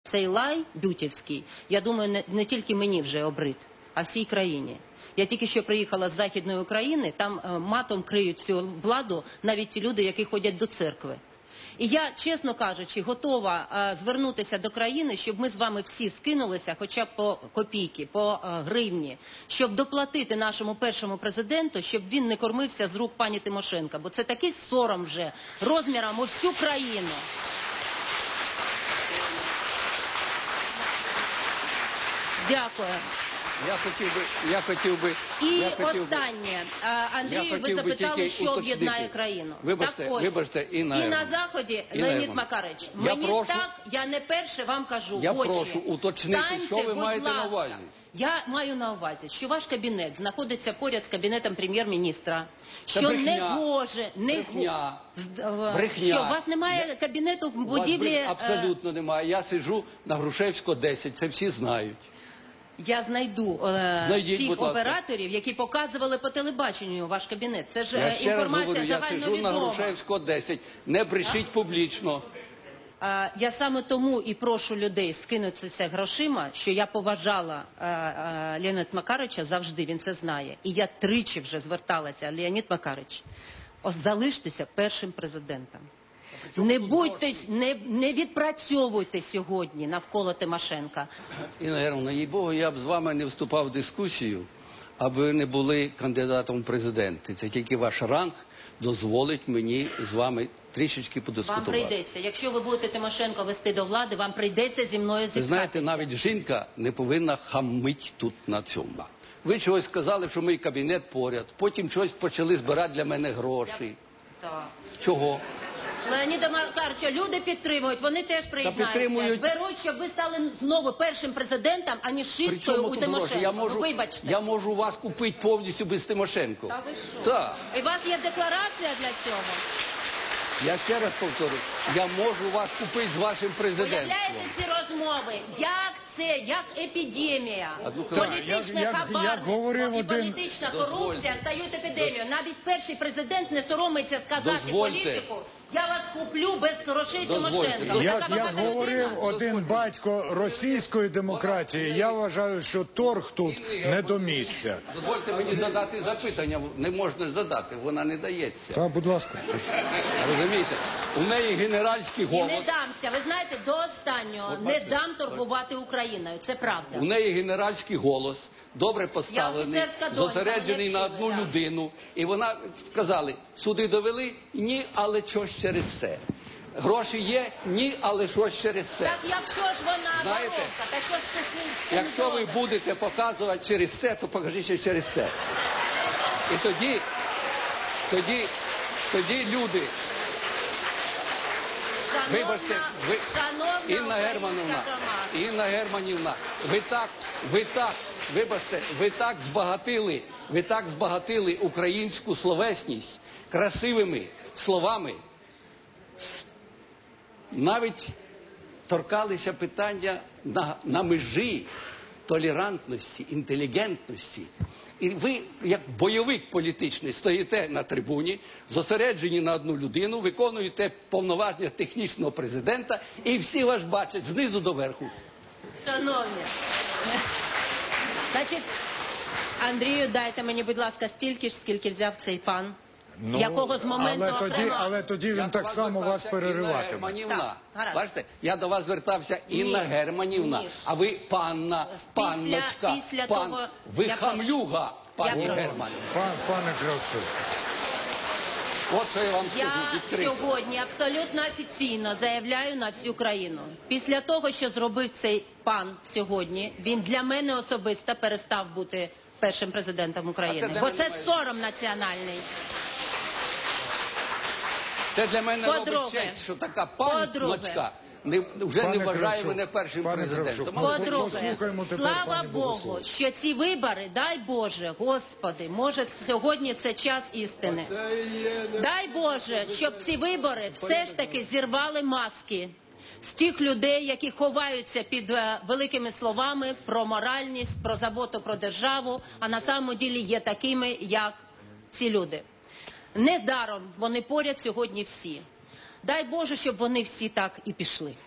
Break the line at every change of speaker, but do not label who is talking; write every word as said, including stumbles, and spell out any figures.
цей лай бютівський, я думаю, не, не тільки мені вже обрид, а всій країні. Я тільки що приїхала з Західної України, там е, матом криють цю владу навіть ті люди, які ходять до церкви. І я, чесно кажучи, готова е, звернутися до країни, щоб ми з вами всі скинулися хоча б по копійки, по е, гривні, щоб доплатити нашому першому президенту, щоб він не кормився з рук пані Тимошенко. Бо це такий сором вже розміром у всю країну. Дякую.
Я хотів би, я хотів би...
І
я хотів
останнє. А, Андрію, ви
хотів би
запитали,
тільки
що
уточнити.
об'єднає країну.
Вибачте,
так ось,
вибачте, Інна
і на
Германівна.
Заході,
Інна
Леонід
Германівна.
Макарич,
Я
мені
прошу-
так, я не перше вам кажу,
Я
очі.
прошу уточнити,
Станьте,
що ви
будь
маєте на
ласка.
увазі.
Я маю на увазі, що ваш кабінет знаходиться поряд з кабінетом прем'єр-міністра, що
брехня.
не гоже, не
Брехня.
го-
Брехня.
Що, у вас немає кабінету в
У вас
будівлі?
брехні
е,
абсолютно немає. Я сиджу на Грушевського десять, це всі знають.
Я знайду е,
Знайдіть,
тих
будь ласка.
операторів, які показували по телебаченню ваш кабінет. Це ж
Я
е,
ще раз
інформація
говорю, я сиджу на
загальновідома.
Грушевського десять. Не брешіть публічно.
А, Я саме тому і прошу людей скинутися грошима, що я поважала е, е, Леоніда Макарича завжди, він це знає. І я тричі вже зверталася, Леонід Макарич, ось залиштеся першим президентом. Не будьте, не, не відпрацьовуйте сьогодні навколо Тимошенка.
Інна Германівна, їй-богу, я б з вами не вступав в дискусію, аби ви не були кандидатом в президенти. Це тільки ваш ранг дозволить мені з вами трішечки
Вам
подискутувати.
прийдеться, якщо ви будете Тимошенко вести до влади, вам прийдеться зі мною
Ви
зіткатися.
знаєте, навіть жінка не повинна хамить тут на цьому. Ви чогось сказали, що мій кабінет поряд, потім чогось почали збирати для мене гроші.
Так.
Чого?
Леоніда Макарича люди підтримують, вони теж приєднаються.
підтримують.
Беруть, щоб ви стали знову першим президентом, а не шисткою
Причому
у
тут гроші?
Тимошенко.
Я можу,
Ну, вибачте.
я можу вас купити повністю без Тимошенко.
Та ви що?
Так.
І у вас є декларація для цього?
Я ще раз повторю, я можу вас купити з вашим президентством.
Уявляєте ці розмови? Як це? Як епідемія?
Одну хвилину.
Політичне
Як- як-
хабарництво
як говорив
і
один-
політична
Дозвольте.
корупція стають епідемією. Навіть перший президент не соромиться сказати
Дозвольте.
політику: я вас куплю без грошей
Дозвольте.
Тимошенко. Ви
Як,
така
як
багата
говорив
людина?
один батько російської демократії, я вважаю, що торг тут не до місця.
Дозвольте мені задати запитання, не можна задати, вона не дається.
Та, будь ласка.
Розумієте, у неї генеральський
І не
голос,
дамся. Ви знаєте, до останнього
От
не
бачите,
дам торгувати Україною. Це правда.
у неї генеральський голос, добре поставлений,
Я офіцерська донька,
зосереджений
мене
на
вчили,
одну
так.
людину. І вона сказали, суди довели? Ні, але щось через це. Гроші є? Ні, але щось через це.
Так якщо ж вона
Знаєте,
воровка, так що ж це з цим
Якщо ви
зробите?
будете показувати через це, то покажіть ще через це. І тоді, тоді, тоді люди,
Шановна,
вибачте, ви,
шановна
Інна
українська
Германівна,
громада.
Інна Германівна, ви так, ви так, вибачте, ви так збагатили, ви так збагатили українську словесність красивими словами. Навіть торкалися питання на, на межі толерантності, інтелігентності. І ви, як бойовик політичний, стоїте на трибуні, зосереджені на одну людину, виконуєте повноваження технічного президента, і всі вас бачать знизу до верху.
Шановні, значить, Андрію, дайте мені, будь ласка, стільки ж, скільки взяв цей пан, якого з моменту
але тоді,
окремо...
але тоді
Я
він
до
так
вас
само вас
звертався, Інна
перериватиме.
Германівна.
Так, гаразд.
Бачите, я до вас звертався Інна
Ні.
Германівна,
Ні.
а ви панна,
Після-
панночка,
після
пан.
того-
Ви
Я прошу.
хамлюга, пані
Я прошу.
Германівна.
Пан, пане Кравчук.
От що я вам скажу
Я
відкрито.
сьогодні абсолютно офіційно заявляю на всю країну. Після того, що зробив цей пан сьогодні, він для мене особисто перестав бути першим президентом
А
України.
це для
Бо
мене
це
має-
сором національний.
Це для мене робить
По-друге.
честь, що така
По-друге.
панночка не, вже
Пане
не вважає
Кравчук,
мене першим
пане
президентом.
Кравчук,
Але
По-друге,
Послухаємо тепер
слава
пані
Богу,
Богослов.
що ці вибори, дай Боже, Господи, може сьогодні це час істини. Дай Боже, щоб ці вибори все ж таки зірвали маски з тих людей, які ховаються під е, великими словами про моральність, про заботу про державу, а на самому ділі є такими, як ці люди. Недаром вони поряд сьогодні всі. Дай Боже, щоб вони всі так і пішли.